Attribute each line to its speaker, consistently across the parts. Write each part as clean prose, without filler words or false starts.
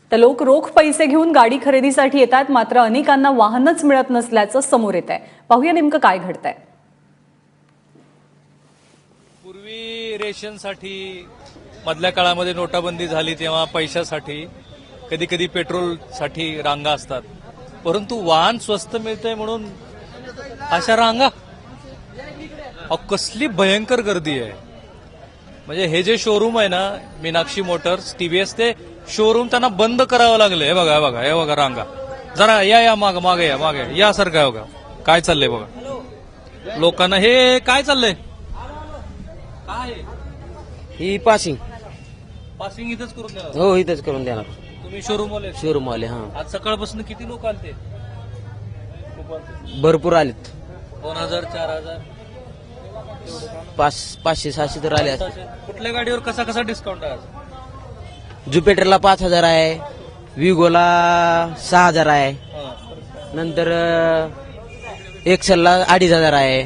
Speaker 1: तर लोक रोख पैसे घेऊन गाडी खरेदीसाठी येतात, मात्र अनेकांना वाहनच मिळत नसल्याचं समोर येत आहे. पाहूया नेमकं काय घडतंय.
Speaker 2: पूर्वी रेशनसाठी मधल्या काळामध्ये नोटाबंदी झाली तेव्हा पैशासाठी कधी कधी पेट्रोलसाठी रांगा असतात, परंतु वाहन स्वस्त मिळतंय म्हणून अशा रांगा. कसली भयंकर गर्दी आहे. म्हणजे हे जे शोरूम आहे ना, मीनाक्षी मोटर्स टीव्हीएस, ते शोरूम त्यांना बंद करावं लागलं. हे बघा, हे बघा, हे बघा रांगा. जरा या मागे यासारखं आहे बघा. काय चाललंय बघा लोकांना. हे काय चाललंय, काय
Speaker 3: ही पासिंग
Speaker 2: इथंच करून देणार?
Speaker 3: हो, इथंच करून देणार.
Speaker 2: तुम्ही शोरूम
Speaker 3: वाले. हा,
Speaker 2: आज सकाळपासून किती लोक आलते?
Speaker 3: भरपूर आलेत.
Speaker 2: 2000 4000
Speaker 3: 500-600 तर आले असतील.
Speaker 2: कुठल्या गाडीवर कसा डिस्काउंट आहे?
Speaker 3: ज्युपिटरला 5000 आहे, विगोला 6000 आहे, नंतर एक्सेलला 2500 आहे.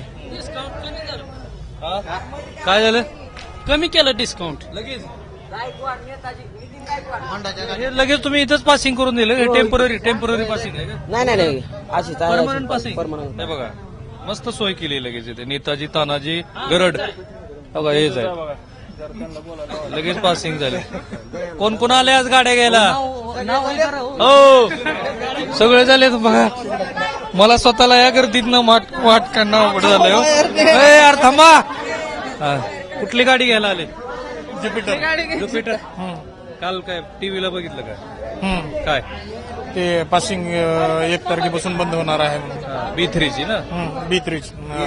Speaker 2: काय झालं?
Speaker 4: कमी केलं डिस्काउंट
Speaker 2: लगेच हे लगेच तुम्ही इथंच पासिंग करून दिलं? टेम्पररी पासिंग आहे का?
Speaker 3: नाही अशी
Speaker 2: परमनंट पासिंग.
Speaker 3: परमनंट.
Speaker 2: हे बघा मस्त सोय केली लगेच इथे. नेताजी तानाजी गरड बघा हेच आहे. लगेच पासिंग झाले. कोण आले आज गाड्या घ्यायला? हो, सगळे झाले बघा. मला स्वतःला या गर्दीतनं वाट काढणं अवघड झालंय हो. यार थांबा. कुठली गाडी घ्यायला आले? ज्युपिटर. काल काय टीव्हीला बघितलं काय
Speaker 5: ते पासिंग 1 तारखेपासून बंद होणार आहे.
Speaker 2: B3ची ना?
Speaker 5: B3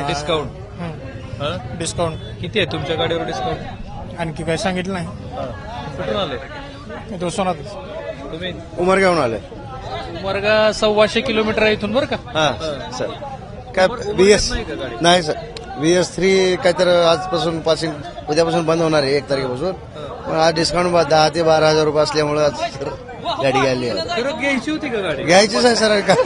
Speaker 2: डिस्काउंट किती आहे तुमच्या गाडीवर डिस्काउंट?
Speaker 5: आणखी काय सांगितलं नाही.
Speaker 2: कुठून आले
Speaker 5: तो सोनात
Speaker 2: तुम्ही?
Speaker 6: उमरगावून आले.
Speaker 2: उमरगा 125 किलोमीटर आहे इथून बरं का?
Speaker 6: हा सर. काय VS नाही सर, VS3 काहीतरी आजपासून पासिंग उद्यापासून बंद होणार आहे 1 तारखेपासून. पण आज डिस्काउंट 10 ते 12,000 रुपये असल्यामुळे आज सर गाडी घ्यायली आहे.
Speaker 2: खरं घ्यायची होती का गाडी?
Speaker 6: घ्यायचीच आहे सर. काय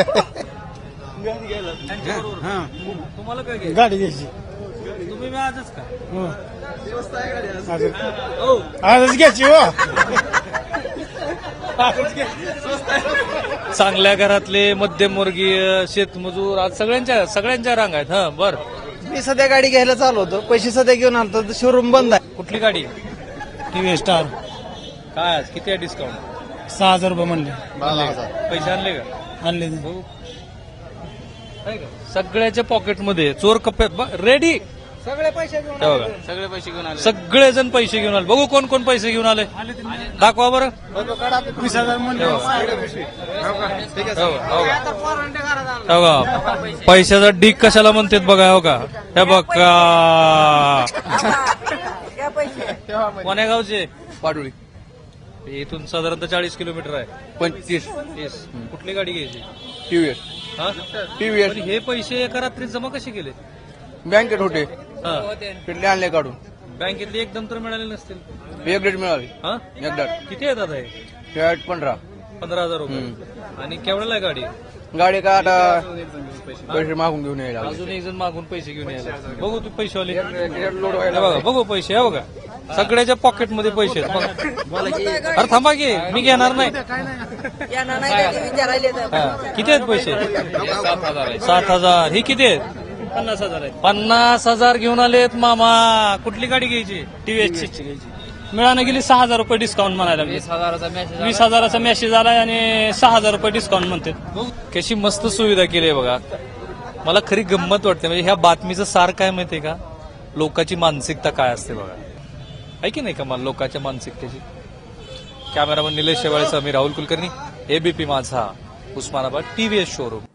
Speaker 2: तुम्हाला काय घ्यायची?
Speaker 5: गाडी घ्यायची.
Speaker 2: तुम्ही आजच का?
Speaker 5: आजच घ्यायची हो.
Speaker 2: चांगल्या घरातले मध्यमवर्गीय शेतमजूर आज सगळ्यांच्या रांग आहेत. हा बर.
Speaker 3: मी सध्या गाडी घ्यायला चालू होतो, पैसे सध्या घेऊन आलो तर शोरूम बंद आहे.
Speaker 2: कुठली गाडी?
Speaker 5: TV star.
Speaker 2: काय आज किती आहे डिस्काउंट?
Speaker 5: 6000 रुपये म्हणले.
Speaker 2: पैसे आणले का?
Speaker 5: आणले.
Speaker 2: सगळ्याच्या पॉकेटमध्ये चोर कप्प्यात रेडी.
Speaker 3: सगळे पैसे घेऊन आले.
Speaker 2: सगळेजण पैसे घेऊन आले. बघू कोण पैसे घेऊन आले. दाखवा बरं.
Speaker 5: 20,000 म्हणले.
Speaker 2: पैशाचा ढीक कशाला म्हणतात बघा. हो का हे बघा. कोण्या गावचे?
Speaker 6: पाडुळी.
Speaker 2: इथून साधारणतः 40 किलोमीटर आहे.
Speaker 6: 25
Speaker 2: कुठली गाडी घ्यायची?
Speaker 6: TVS.
Speaker 2: हा?
Speaker 6: TVS
Speaker 2: पण हे पैसे एका रात्रीत जमा कसे केले?
Speaker 6: बँकेत होते,
Speaker 2: हा.
Speaker 6: तिथले आणले काढून.
Speaker 2: बँकेतले एकदम तर मिळाले नसतील.
Speaker 6: एक डेट मिळाली.
Speaker 2: हा?
Speaker 6: एकदा
Speaker 2: किती येतात हे?
Speaker 6: 15,000
Speaker 2: रुपये. आणि केवढ्याला आहे गाडी?
Speaker 6: गाडी का आता पैसे मागून घेऊन यायला.
Speaker 2: अजून एक जण मागून पैसे घेऊन यायला. बघू तू पैसेवाले.
Speaker 6: लोड
Speaker 2: हे
Speaker 6: व्हायला
Speaker 2: बघा बघू पैसे. हे बघा सगळ्याच्या पॉकेटमध्ये पैसे आहेत. बघा. अरे थांबा की मी घेणार नाही. हा. किती आहेत पैसे? 7,000. ही किती आहेत?
Speaker 4: 50,000 आहे.
Speaker 2: 50,000 घेऊन आलेत मामा. कुठली गाडी घ्यायची?
Speaker 4: टीव्हीएसची घ्यायची. मिळानं गेली 6,000 रुपये डिस्काउंट म्हणायला. 20,000चा मेसेज आलाय आणि 6,000 रुपये डिस्काउंट म्हणतात.
Speaker 2: कशी मस्त सुविधा केली आहे बघा. मला खरी गंमत वाटते. म्हणजे ह्या बातमीचं सार काय माहितीये का? लोकांची मानसिकता काय असते बघा. आहे की नाही का? मला लोकांच्या मानसिकतेची. कॅमेरामन निलेश शेवाळेसह मी Rahul Kulkarni, ABP Majha, Osmanabad, TVS showroom.